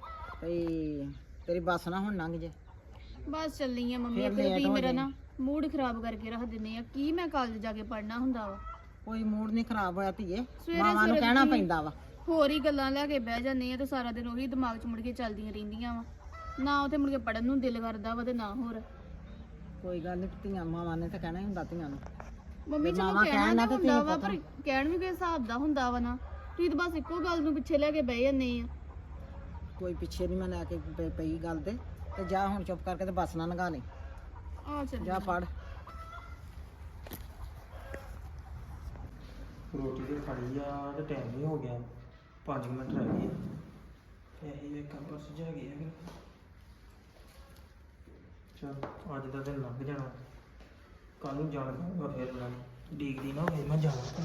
ਭਈ ਤੇਰੀ ਬੱਸ ਨਾ ਹੁਣ ਲੰਘ ਜੇ। ਬਸ ਚੱਲੀ ਆ ਮੰਮੀ, ਫਿਰ ਇੱਕ ਤਾਂ late ਤੁਸੀਂ ਹੋ ਮੇਰਾ ਜਾਈ। ਨਾ ਮੂਡ ਖਰਾਬ ਕਰਕੇ ਰੱਖ ਦਿੰਦੇ ਆ। ਕੀ ਮੈਂ ਕਾਲਜ ਜਾ ਕੇ ਪੜ੍ਹਨਾ ਹੁੰਦਾ ਵਾ? ਕੋਈ ਮੂਡ ਨਹੀਂ ਖਰਾਬ ਹੋਇਆ ਧੀਏ, ਸਵੇਰੇ ਮਾਵਾਂ ਨੂੰ ਸਵੇਰੇ ਕਹਿਣਾ ਤੁਸੀਂ ਪੈਂਦਾ ਵਾ। ਹੋਰ ਹੀ ਗੱਲਾਂ ਲੈ ਕੇ ਬਹਿ ਜਾਂਦੇ ਆ ਤੇ ਸਾਰਾ ਦਿਨ ਉਹੀ ਦਿਮਾਗ 'ਚ ਮੁੜ ਕੇ ਚੱਲਦੀਆਂ ਰਹਿੰਦੀਆਂ ਵਾ। ਨਾ ਉੱਥੇ ਮੁੜ ਕੇ ਪੜ੍ਹਨ ਨੂੰ ਦਿਲ ਕਰਦਾ ਵਾ ਤੇ ਨਾ ਹੋਰ। ਕੋਈ ਗੱਲ ਨਹੀਂ, ਧੀਆਂ ਮਾਵਾਂ ਨੇ ਤਾਂ ਕਹਿਣਾ ਹੀ ਹੁੰਦਾ ਧੀਆਂ ਨੂੰ। ਮੰਮੀ ਚਲੋ ਮਾਵਾਂ ਕਹਿਣਾ ਕਹਿਣ ਨਾ ਨਾ ਤੇ ਹੁੰਦਾ ਧੀ ਵਾ, ਪੁੱਤ ਪਰ ਕਹਿਣ ਵੀ ਕੋਈ ਹਿਸਾਬ ਦਾ ਹੁੰਦਾ ਵਾ ਨਾ। ਤੁਸੀਂ ਤਾਂ ਬਸ ਇੱਕੋ ਗੱਲ ਨੂੰ ਪਿੱਛੇ ਲੈ ਕੇ ਬਹਿ ਜਾਂਦੇ ਆ। ਕੋਈ ਪਿੱਛੇ ਨਹੀਂ ਮੈਂ ਲੈ ਕੇ ਪਈ ਗੱਲ ਤੇ ਜਾ ਹੁਣ ਚੁੱਪ ਕਰਕੇ ਤੇ ਬੱਸ ਨਾ ਲੰਘਾ ਲਈ। ਆ ਚੱਲ ਜਾ ਪੜ। ਰੋਟੀ ਤੇ ਖਾਲੀ ਆ ਤੇ ਟਾਈਮ ਵੀ ਹੋ ਗਿਆ, 5 ਮਿੰਟ ਰਹਿ ਗਏ ਆ। ਪੈਸੇ ਵੇਖਾਂ ਪਰਸ ਜਾ ਗਏ ਆ। ਚਲ ਅੱਜ ਦਾ ਦਿਨ ਲੰਘ ਜਾਣਾ, ਕੱਲ ਨੂੰ ਜਾਣ ਦੂੰਗਾ ਫਿਰ। ਮੈਂ ਡੀਗਰੀ ਨਾ ਹੋਵੇ ਮੈਂ ਜਾਵਾਂ।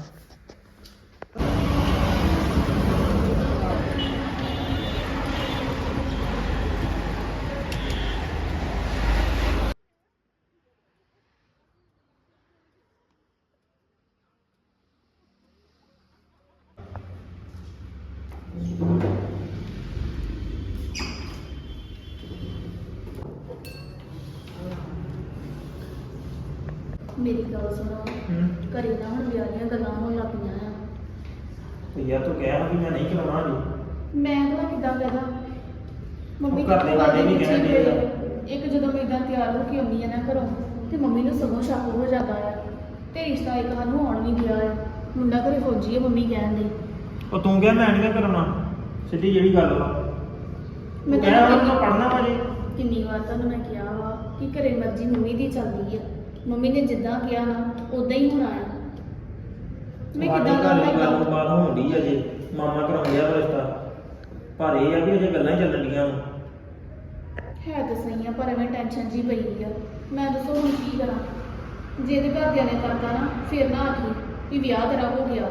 ਮੇਰੀ ਗੱਲ ਸੁਣੋ, ਘਰੇ ਨਾ ਹੁਣ ਵਿਆਹ ਦੀਆਂ ਗੱਲਾਂ ਹੋਣ ਲੱਗ ਪਈਆਂ ਆ। ਤੇ ਯਾਰ ਤੂੰ ਕਹਿਆ ਵੀ ਮੈਂ ਨਹੀਂ ਕਰਾਉਣਾ ਜੀ। ਮੈਂ ਭਲਾ ਕਿੱਦਾਂ ਕਹਦਾ? ਮੰਮੀ ਘਰ ਦੇ ਸਾਡੇ ਵੀ ਪਿੱਛੇ ਕਹਿਣ ਡਏ ਆ। ਇੱਕ ਜਦੋਂ ਮੈਂ ਇਦਾਂ ਤਿਆਰ ਹੋ ਕੇ ਆਉਂਦੀ ਆ ਨਾ ਘਰੋਂ, ਤੇ ਮੰਮੀ ਨੂੰ ਸਗੋਂ ਸ਼ੱਕ ਹੋ ਜਾਂਦਾ ਆ ਤੇ ਰਿਸ਼ਤਾ ਇੱਕ ਸਾਨੂੰ ਆਉਣ ਵੀ ਗਿਆ ਆ। ਮੁੰਡਾ ਘਰੇ ਫੌਜੀ ਆ ਮੰਮੀ ਕਹਿੰਦੇ। ਉਹ ਤੂੰ ਕਿਹਾ ਮੈਂ ਨਹੀਂ ਕਰਾਉਣਾ, ਸਿੱਧੀ ਜਿਹੜੀ ਗੱਲ ਵਾ। ਮੈਂ ਕਹਿਆ ਤਾਂ ਮੈਂ ਪੜਨਾ ਵਾ ਜੀ। ਕਿੰਨੀ ਵਾਰ ਤੁਹਾਨੂੰ ਮੈਂ ਕਿਹਾ ਵਾ ਕਿ ਘਰੇ ਮਰਜ਼ੀ ਮੰਮੀ ਦੀ ਚੱਲਦੀ ਆ। ਮੰਮੀ ਨੇ ਜਿੱਦਾਂ ਕਿਹਾ ਨਾ ਉਦਾਂ ਹੀ ਹੋਣਾ ਆ। ਮੈਂ ਤੁਹਾਡੇ ਕਿੱਦਾਂ ਘਰ ਦੀ ਕਰਨਾ? ਗੱਲਬਾਤ ਹੋਣੀ ਆ ਜੇ ਮਾਮਾ ਕਰਾਉਂਦਿਆ ਵਾ ਰਿਸ਼ਤਾ, ਪਰ ਇਹ ਆ ਵੀ ਅਜੇ ਗੱਲਾਂ ਹੀ ਚੱਲਣ ਡੀਆਂ ਵਾ। ਹੈ ਤਾਂ ਸਹੀ ਆ, ਪਰ ਐਵੇਂ ਟੈਨਸ਼ਨ ਜੀ ਪਈ ਆ। ਮੈਂ ਦੱਸੋ ਹੁਣ ਕੀ ਕਰਾਂ? ਜੇ ਇਹਦੇ ਘਰਦਿਆਂ ਨੇ ਕਰਤਾ ਨਾ ਫਿਰ ਨਾ ਆਖੀ ਵੀ ਵਿਆਹ ਤੇਰਾ ਹੋ ਗਿਆ ਵਾ।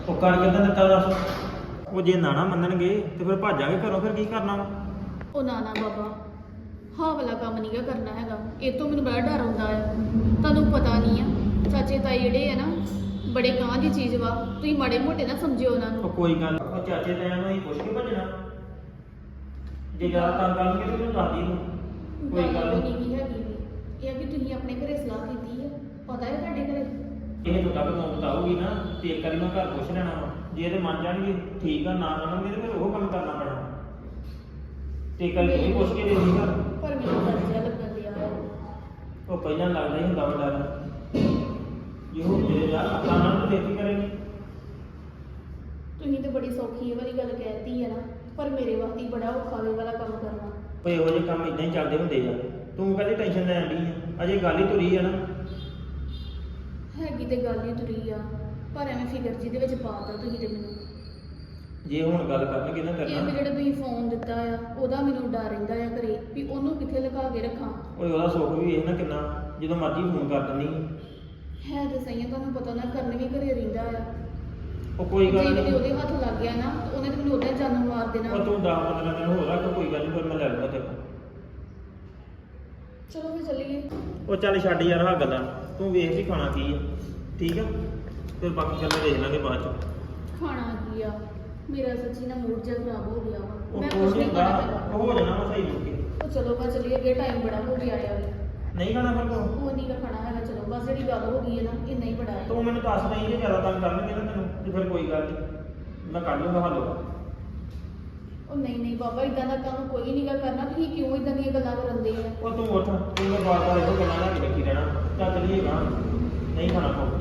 ਉਹ ਕਰ ਕਿੱਦਾਂ ਦਿੱਤਾ ਦੱਸ? ਉਹ ਜੇ ਨਾ ਮੰਨਣਗੇ ਤੇ ਫਿਰ ਭਾਜਾਂਗੇ ਘਰੋਂ, ਫਿਰ ਕੀ ਕਰਨਾ ਵਾ? ਉਹ ਨਾ ਬਾਬਾ, ਹਾਂ ਵਾਲਾ ਕੰਮ ਨਹੀਂਗਾ ਕਰਨਾ ਹੈਗਾ। ਇਹ ਤੋਂ ਮੈਨੂੰ ਬੜਾ ਡਰ ਆਉਂਦਾ ਆ। ਤੁਹਾਨੂੰ ਪਤਾ ਨਹੀਂ ਆ ਚਾਚੇ ਤਾਏ ਜਿਹੜੇ ਆ ਨਾ ਬੜੇ ਕਾਂ ਦੀ ਚੀਜ਼ ਵਾ, ਤੁਸੀਂ ਮਾੜੇ ਮੋਟੇ ਨਾ ਸਮਝਿਓ ਉਹਨਾਂ ਉਹ ਨੂੰ। ਕੋਈ ਗੱਲ ਨੀ, ਉਹ ਚਾਚੇ ਤਾਇਆਂ ਨੂੰ ਹੀ ਪੁੱਛ ਕੇ ਭੱਜਣਾ। ਜੇ ਜ਼ਿਆਦਾ ਤੰਗ ਕਰਨਗੇ ਤੇ ਮੈਨੂੰ ਦੱਸ ਦੀ ਤੂੰ, ਕੋਈ ਗੱਲ ਵੀ ਨਹੀਂ। ਨਹੀਂ ਹੈਗੀ ਵੀ। ਇਹ ਆ ਕਿ ਤੁਸੀਂ ਆਪਣੇ ਘਰੇ ਸਲਾਹ ਕੀਤੀ ਆ, ਪਤਾ ਹੈ ਤੁਹਾਡੇ ਘਰੇ। ਇਹ ਤੋਂ ਤੱਕ ਤੂੰ ਬਤਾਓਗੀ ਨਾ ਤੇ ਇੱਕ ਵਾਰੀ ਮੈਂ ਘਰ ਪੁੱਛ ਲੈਣਾ ਵਾ। ਜੇ ਇਹਦੇ ਮੰਨ ਜਾਣਗੇ ਠੀਕ ਆ, ਨਾ ਮੰਨਣਗੇ ਤੇ ਫਿਰ ਉਹ ਕੰਮ ਕਰਨਾ ਪੈਣਾ। ਤੇ ਇੱਕ ਵਾਰੀ ਤੂੰ ਵੀ ਪੁੱਛ ਕੇ ਦੇਖ ਘਰ। ਪਰ ਮੈਨੂੰ ਡਰ ਜਿਹਾ ਲੱਗਣ ਡਿਆ ਆ। ਉਹ ਪਹਿਲਾਂ ਲੱਗਦਾ ਹੀ ਹੁੰਦਾ ਵਾ ਡਰ। ਜੇ ਉਹ ਮੇਰੇ ਯਾਰ ਆਪਾਂ ਨਾਲ ਤਾਂ ਦੇਖੀ ਕਰੇਗੀ। ਤੁਸੀਂ ਤੇ ਬੜੀ ਸੌਖੀ ਇਹ ਵਾਲੀ ਗੱਲ ਕਹਿਤੀ ਆ ਨਾ, ਪਰ ਮੇਰੇ ਵਾਸਤੇ ਹੀ ਬੜਾ ਔਖਾ ਇਹ ਵਾਲਾ ਕੰਮ ਕਰਨਾ। ਉਹ ਇਹੋ ਜਿਹੇ ਕੰਮ ਇਦਾਂ ਹੀ ਚੱਲਦੇ ਹੁੰਦੇ ਆ। ਤੂੰ ਕਦੇ ਟੈਨਸ਼ਨ ਲੈਣ ਡਈ ਆ? ਅਜੇ ਗੱਲ ਹੀ ਤੁਰੀ ਆ ਨਾ। ਹੈਗੀ ਤੇ ਗੱਲ ਹੀ ਤੁਰੀ ਆ, ਪਰ ਐਵੇਂ ਫਿਕਰ ਜਿਹਦੇ ਵਿੱਚ ਪਾਤਾ ਤੁਸੀਂ ਤੇ ਮੈਨੂੰ। ਜੇ ਹੁਣ ਗੱਲ ਕਰਨਗੇ ਨਾ ਇਹ ਵੀ ਕਰਨਾ। ਜਿਹੜਾ ਤੁਸੀਂ ਫੋਨ ਦਿੱਤਾ ਆ, ਉਹਦਾ ਮੈਨੂੰ ਡਰ ਰਹਿੰਦਾ ਆ ਘਰੇ ਵੀ ਉਹਨੂੰ ਕਿੱਥੇ ਲਗਾ ਕੇ ਰੱਖਾਂ। ਓਏ ਉਹਦਾ ਸੁੱਖ ਵੀ ਵੇਖ ਨਾ ਕਿੰਨਾ, ਜਦੋਂ ਮਰਜ਼ੀ ਫੋਨ ਕਰ ਦਿੰਦੀ ਹੈ ਤੇ ਸਹੀ ਆ, ਤੁਹਾਨੂੰ ਪਤਾ ਨਾ ਕਰਨ ਵੀ ਘਰੇ ਰਹਿੰਦਾ ਆ। ਉਹ ਕੋਈ ਗੱਲ ਜੇ ਨਹੀਂ। ਕਿਤੇ ਉਹਦੇ ਹੱਥ ਲੱਗ ਗਿਆ ਨਾ ਤਾਂ ਉਹਨੇ ਤੇ ਮੈਨੂੰ ਉਹਦਾ ਜਾਨ ਮਾਰ ਦੇਣਾ। ਉਹ ਤੂੰ 10-15 ਦਿਨ ਹੋਰ ਰੱਖ, ਕੋਈ ਗੱਲ ਨਹੀਂ, ਫਿਰ ਮੈਂ ਲੈ ਲੂੰਗਾ ਤੇਰੇ ਕੋਲ। ਚਲੋ ਫਿਰ ਚੱਲੀਏ। ਉਹ ਚੱਲ ਛੱਡ ਯਾਰ ਆਹ ਗੱਲਾਂ, ਤੂੰ ਵੇਖ ਵੀ ਖਾਣਾ ਕੀ ਆ, ਠੀਕ ਆ? ਫਿਰ ਬਾਕੀ ਗੱਲਾਂ ਦੇਖ ਲਾਂਗੇ ਬਾਅਦ ਚ। ਖਾਣਾ ਕੀ ਆ, ਮੇਰਾ ਸੱਚੀ ਨਾ ਮੂਡ ਜਿਹਾ ਖਰਾਬ ਹੋ ਗਿਆ ਵਾ। ਉਹ ਮੈਂ ਕੁਛ ਕੁਝ ਨਹੀਂ ਨਹੀਂ ਖਾਣਾ ਹੁੰਦਾ, ਹੈਗਾ। ਉਹ ਹੋ ਜਾਣਾ ਵਾ ਸਹੀ ਮੁੜ ਕੇ। ਉਹ ਚਲੋ ਬਸ ਚੱਲੀਏ, ਅੱਗੇ ਟਾਈਮ ਬੜਾ ਹੋ ਗਿਆ ਆ। ਨਹੀਂ ਖਾਣਾ ਫਿਰ ਤੂੰ? ਉਹ ਨਹੀਂ ਗਾ ਖਾਣਾ ਹੈਗਾ। ਚਲੋ ਬਸ ਜਿਹੜੀ ਗੱਲ ਹੋ ਗਈ ਹੈ ਨਾ, ਇਹ ਨਹੀਂ ਬੜਾ ਹੈ। ਤੂੰ ਮੈਨੂੰ ਦੱਸ ਨਹੀਂ ਜੇ ਜ਼ਿਆਦਾ ਤੰਗ ਕਰਨਗੇ ਨਾ ਤੈਨੂੰ ਤੇ ਫਿਰ ਕੋਈ ਗੱਲ ਨਹੀਂ, ਮੈਂ ਕੱਢ ਲੂੰਗਾ ਹੱਲ। ਉਹ ਨਹੀਂ ਬਾਬਾ, ਇਦਾਂ ਦਾ ਕੰਮ ਕੋਈ ਨਹੀਂ ਗਾ ਕਰਨਾ। ਤੁਸੀਂ ਕਿਉਂ ਇਦਾਂ ਦੀਆਂ ਗੱਲਾਂ ਕਰਨ ਦੇ ਆ? ਉਹ ਤੂੰ ਉੱਠ, ਤੂੰ ਮੈਂ ਬਾਰ-ਬਾਰ ਇਹੋ ਗੱਲਾਂ ਲੈ ਕੇ ਬੈਠੀ ਰਹਿਣਾ। ਚੱਲ ਚੱਲੀਏ ਗਾਂ, ਨਹੀਂ ਖਾਣਾ ਪਊ।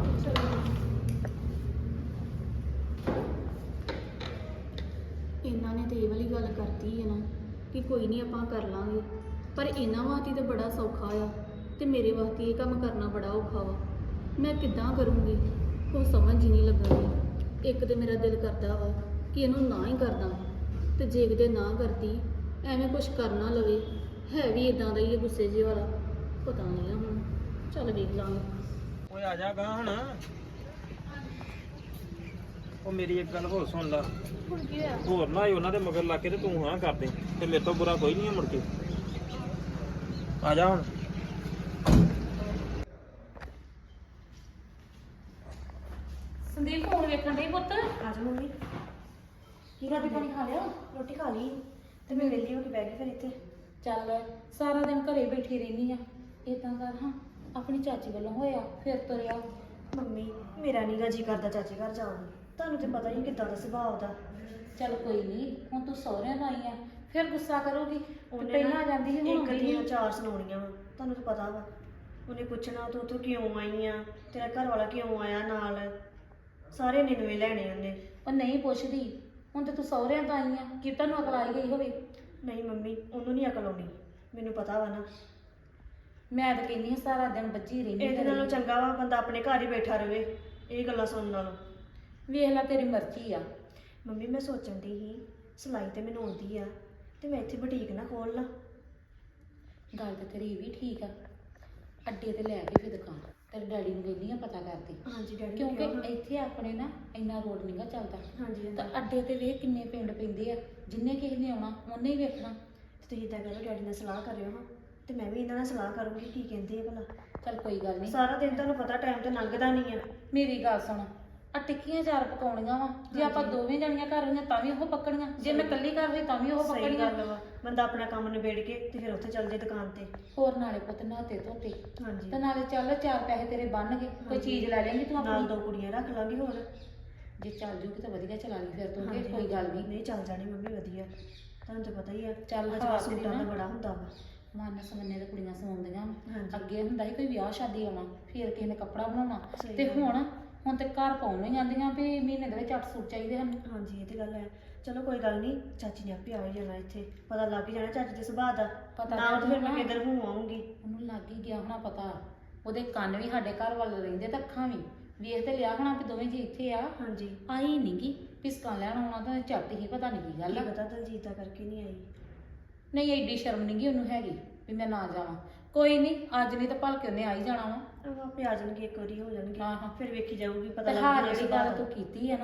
ਇਹਨਾਂ ਨੇ ਤੇ ਇਹ ਵਾਲੀ ਗੱਲ ਕਰਤੀ ਹੈ ਨਾ ਕਿ ਕੋਈ ਨਹੀਂ ਆਪਾਂ ਕਰ ਲਾਂਗੇ, ਪਰ ਇਹਨਾਂ ਵਾਸਤੇ ਤਾਂ ਬੜਾ ਸੌਖਾ ਆ ਤੇ ਮੇਰੇ ਵਾਸਤੇ ਇਹ ਕੰਮ ਕਰਨਾ ਬੜਾ ਔਖਾ ਵਾ। ਮੈਂ ਕਿੱਦਾਂ ਕਰੂੰਗੀ, ਕੋਈ ਸਮਝ ਹੀ ਨਹੀਂ ਲੱਗਣੀ। ਇੱਕ ਤੇ ਮੇਰਾ ਦਿਲ ਕਰਦਾ ਵਾ ਕਿ ਇਹਨੂੰ ਨਾ ਹੀ ਕਰਦਾ, ਤੇ ਜੇ ਕਿਤੇ ਨਾ ਕਰਦੀ ਐਵੇਂ ਕੁਝ ਕਰ ਨਾ ਲਵੇ। ਹੈ ਵੀ ਇਦਾਂ ਦਾ ਹੀ ਹੈ, ਗੁੱਸੇ ਜਿਹੇ ਵਾਲਾ। ਪਤਾ ਨਹੀਂ ਆ ਹੁਣ, ਚੱਲ ਵੇਖ ਲਾਂਗੇ। ਓਏ ਆ ਜਾ ਗਾਂ ਹੁਣ। ਉਹ ਮੇਰੀ ਇੱਕ ਗੱਲ ਹੋਰ ਸੁਣ ਲਾ। ਹੁਣ ਕੀ ਹੋਇਆ? ਹੋਰ ਨਾ ਉਹਨਾਂ ਦੇ ਮਗਰ ਲਾ ਕੇ ਤੇ ਤੂੰ ਹਾਂ ਕਰ ਦੇ, ਤੇ ਮੇਰੇ ਤੋਂ ਬੁਰਾ ਕੋਈ ਨਹੀਂ ਹੈ ਮੁੜ ਕੇ। ਆ ਜਾ ਹੁਣ। ਸੰਦੀਪ ਫੋਨ ਵੇਖਣ ਦੇ ਪੁੱਤ। ਆ ਜਾ ਮੰਮੀ। ਕੀ ਰੋਟੀ ਪਾਣੀ ਖਾ ਲਿਆ? ਰੋਟੀ ਖਾ ਲਈ ਤੇ ਮੈਂ ਵਿਹਲੀ ਹੋ ਕੇ ਬਹਿ ਗਈ ਫਿਰ ਇੱਥੇ। ਚੱਲ ਸਾਰਾ ਦਿਨ ਘਰੇ ਬੈਠੀ ਰਹਿਨੀ ਆ, ਏਦਾਂ ਕਰ ਹਾਂ ਆਪਣੀ ਚਾਚੀ ਵੱਲੋਂ ਹੋਇਆ ਫਿਰ ਤੁਰਿਆ। ਮੰਮੀ ਮੇਰਾ ਨੀਗਾ ਜੀ ਕਰਦਾ ਚਾਚੇ ਘਰ ਜਾਣ ਨੂੰ, ਤੁਹਾਨੂੰ ਤੇ ਪਤਾ ਹੀ ਕਿੱਦਾਂ ਦਾ ਸੁਭਾਅ ਉਹਦਾ। ਚੱਲ ਕੋਈ ਨਹੀਂ, ਹੁਣ ਤੂੰ ਸਹੁਰਿਆਂ ਤੋਂ ਆਈ ਆ, ਫਿਰ ਗੁੱਸਾ ਕਰੂਗੀ ਤੇ ਉਹਨੇ ਪਹਿਲਾਂ ਨਾ ਜਾਂਦੀ ਸੀ ਹੁਣ ਇੱਕ ਵੀ ਦੀਆਂ ਨਹੀਂ। ਚਾਰ ਸੁਣਾਉਣੀਆਂ ਵਾ, ਤੁਹਾਨੂੰ ਤਾਂ ਪਤਾ ਵਾ। ਉਹਨੇ ਪੁੱਛਣਾ ਤੂੰ ਉੱਥੋਂ ਕਿਉਂ ਆਈ ਆ, ਤੇਰਾ ਘਰ ਵਾਲਾ ਕਿਉਂ ਆਇਆ ਨਾਲ, ਸਾਰੇ ਨਿਨਵੇ ਲੈਣੇ ਉਹਨੇ। ਉਹ ਨਹੀਂ ਪੁੱਛਦੀ, ਹੁਣ ਤੇ ਤੂੰ ਸਹੁਰਿਆਂ ਤੋਂ ਆਈ ਆ, ਕਿ ਤੈਨੂੰ ਅਕਲ ਆਈ ਗਈ ਹੋਵੇ। ਨਹੀਂ ਮੰਮੀ, ਉਹਨੂੰ ਨਹੀਂ ਅਕਲ ਆਉਣੀ, ਮੈਨੂੰ ਪਤਾ ਵਾ ਨਾ। ਮੈਂ ਤਾਂ ਕਹਿੰਦੀ ਹਾਂ ਸਾਰਾ ਦਿਨ ਬੱਝੀ ਰਹਿੰਦੀ ਇਹਦੇ ਨਾਲੋਂ ਚੰਗਾ ਵਾ ਬੰਦਾ ਆਪਣੇ ਘਰ ਹੀ ਬੈਠਾ ਰਵੇ ਇਹ ਗੱਲਾਂ ਸੁਣਨ ਨਾਲੋਂ। ਵੇਖ ਲੈ ਤੇਰੀ ਮਰਜ਼ੀ ਆ। ਮੰਮੀ ਮੈਂ ਸੋਚਣ ਦੀ ਸੀ ਸਿਲਾਈ ਤੇ ਮੈਨੂੰ ਆਉਂਦੀ ਆ ਤੇ ਮੈਂ ਇੱਥੇ ਬੁਟੀਕ ਨਾ ਖੋਲ ਲਾਂ। ਗੱਲ ਤੇ ਤੇਰੀ ਇਹ ਵੀ ਠੀਕ ਆ, ਅੱਡੇ ਤੇ ਲੈ ਕੇ ਫਿਰ ਦੁਕਾਨ ਤੇਰੇ ਡੈਡੀ ਨੂੰ ਕਹਿੰਦੀ ਆ ਪਤਾ ਕਰਦੀ, ਹਾਂਜੀ ਡੈਡੀ ਕਿਉਂਕਿ ਇੱਥੇ ਆਪਣੇ ਨਾ ਇੰਨਾ ਰੋਡ ਨਹੀਂਗਾ ਚੱਲਦਾ। ਹਾਂਜੀ ਤਾਂ ਅੱਡੇ ਤੇ ਵੇਖ ਕਿੰਨੇ ਪਿੰਡ ਪੈਂਦੇ ਆ, ਜਿੰਨੇ ਕਿਸੇ ਨੇ ਆਉਣਾ ਉਹਨੇ ਹੀ ਵੇਖਣਾ। ਤੁਸੀਂ ਇਦਾਂ ਕਰੋ, ਡੈਡੀ ਨਾਲ ਸਲਾਹ ਕਰਿਓ ਹਾਂ ਤੇ ਮੈਂ ਵੀ ਇਹਨਾਂ ਨਾਲ ਸਲਾਹ ਕਰੂੰਗੀ ਕੀ ਕਹਿੰਦੇ ਆ ਭਲਾ। ਚੱਲ ਕੋਈ ਗੱਲ ਨਹੀਂ, ਸਾਰਾ ਦਿਨ ਤੁਹਾਨੂੰ ਪਤਾ ਟਾਈਮ ਤੇ ਲੰਘਦਾ ਨਹੀਂ ਆ। ਮੇਰੀ ਗੱਲ ਸੁਣ, ਆ ਟਿੱਕੀਆਂ ਚਾਰ ਪਕਾਉਣੀਆਂ ਵਾ, ਜੇ ਆਪਾਂ ਦੋਵੇਂ ਜਣੀਆਂ ਘਰ ਹੋਈਆਂ ਤਾਂ ਵੀ ਉਹ ਪੱਕਣੀਆਂ, ਜੇ ਮੈਂ ਇਕੱਲੀ ਘਰ ਹੋਈ ਤਾਂ ਵੀ ਉਹ ਸਹੀ ਪੱਕਣੀਆਂ। ਗੱਲ ਵਾ, ਬੰਦਾ ਆਪਣਾ ਕੰਮ ਨਿਬੇੜ ਕੇ ਤੇ ਫਿਰ ਉੱਥੇ ਚੱਲ ਜੇ ਦੁਕਾਨ ਤੇ। ਹੋਰ ਨਾਲੇ ਪੁੱਤ ਨਹਾਤੇ ਧੋਤੇ ਹਾਂਜੀ ਤੇ ਨਾਲੇ ਚੱਲ ਚਾਰ ਪੈਸੇ ਤੇਰੇ ਬਣਨਗੇ, ਕੋਈ ਚੀਜ਼ ਲੈ ਲੈਂਗੀ ਤੂੰ ਨਾਲ ਆਪਣੀ। ਦੋ ਕੁੜੀਆਂ ਰੱਖ ਲਾਂਗੇ ਹੋਰ। ਜੇ ਚੱਲ ਜੂਗੀ ਤਾਂ ਵਧੀਆ ਚਲਾ ਲਈ ਫਿਰ ਤੂੰ, ਹਾਂਜੀ, ਕੋਈ ਗੱਲ ਨਹੀਂ। ਨਹੀਂ ਚੱਲ ਜਾਣੀ ਮੰਮੀ ਵਧੀਆ, ਤੁਹਾਨੂੰ ਤਾਂ ਪਤਾ ਹੀ ਆ ਚੱਲ ਅੱਜ ਹਾਂ ਕੱਲ੍ਹ ਸੂਟਾਂ ਦਾ ਬੜਾ ਹੁੰਦਾ ਵਾ। ਮਨ ਸਮੰਨੇ ਤੇ ਕੁੜੀਆਂ ਸਵਾਉਂਦੀਆਂ ਵਾਂ। ਹਾਂਜੀ। ਅੱਗੇ ਹੁੰਦਾ ਸੀ ਕੋਈ ਵਿਆਹ ਸ਼ਾਦੀ ਆਉਣਾ ਫਿਰ ਕਿਸੇ ਨੇ ਕੱਪੜਾ ਬਣਾਉਣਾ, ਸਹੀ ਤੇ ਗੱਲ। ਹੁਣ ਤੇ ਘਰ ਪਾਉਣ ਨੂੰ ਹੀ ਜਾਂਦੀਆਂ ਵੀ ਮਹੀਨੇ ਦੇ ਵਿੱਚ 8 ਸੂਟ ਚਾਹੀਦੇ ਹਨ। ਹਾਂਜੀ ਇਹ ਤੇ ਗੱਲ ਹੈ। ਚਲੋ ਕੋਈ ਗੱਲ ਨਹੀਂ, ਚਾਚੀ ਨੇ ਆਪੇ ਆ ਹੀ ਜਾਣਾ, ਇੱਥੇ ਪਤਾ ਲੱਗ ਹੀ ਜਾਣਾ ਚਾਚੀ ਦੇ ਸੁਭਾਅ ਦਾ। ਪਤਾ ਨਾ ਉਹ ਤੇ ਫਿਰ ਮੈਂ ਲੱਗ ਕਿੱਧਰ ਹੂੰ ਆਉਂਗੀ। ਉਹਨੂੰ ਲੱਗ ਹੀ ਗਿਆ ਹੋਣਾ ਪਤਾ, ਉਹਦੇ ਕੰਨ ਵੀ ਸਾਡੇ ਘਰ ਵੱਲ ਰਹਿੰਦੇ ਤੇ ਅੱਖਾਂ ਵੀ ਵੇਖ ਤੇ ਲਿਆ ਹੋਣਾ ਵੀ ਦੋਵੇਂ ਜੀ ਇੱਥੇ ਆ। ਹਾਂਜੀ ਆਈ ਨਹੀਂਗੀ ਪਿਸਕਾਂ ਲੈਣ ਆਉਣਾ ਤਾਂ ਝੱਟ ਹੀ ਪਤਾ ਨਹੀਂ ਕੀ ਗੱਲ ਕੀ ਆ। ਪਤਾ ਦਲਜੀਤ ਦਾ ਕਰਕੇ ਨਹੀਂ ਆਈ। ਨਹੀਂ ਐਡੀ ਸ਼ਰਮ ਨਹੀਂਗੀ ਉਹਨੂੰ ਹੈਗੀ ਵੀ ਮੈਂ ਨਾ ਜਾਵਾਂ। ਕੋਈ ਨਹੀਂ, ਅੱਜ ਨਹੀਂ ਤਾਂ ਭਲਕੇ ਉਹਨੇ ਆ ਹੀ ਜਾਣਾ ਵਾ। ਉਹ ਆਪੇ ਆ ਜਾਣਗੇ, ਇੱਕ ਵਾਰੀ ਹੋ ਜਾਣਗੇ, ਹਾਂ, ਹਾਂ। ਫਿਰ ਵੇਖੀ ਜਾਊਗੀ, ਪਤਾ ਤੇ ਲੱਗ ਹਾਂ ਜਾਣਾ ਜਿਹੜੀ ਸੁਭਾਅ ਗੱਲ ਦਾ। ਤੂੰ ਕੀਤੀ ਹੈ ਨਾ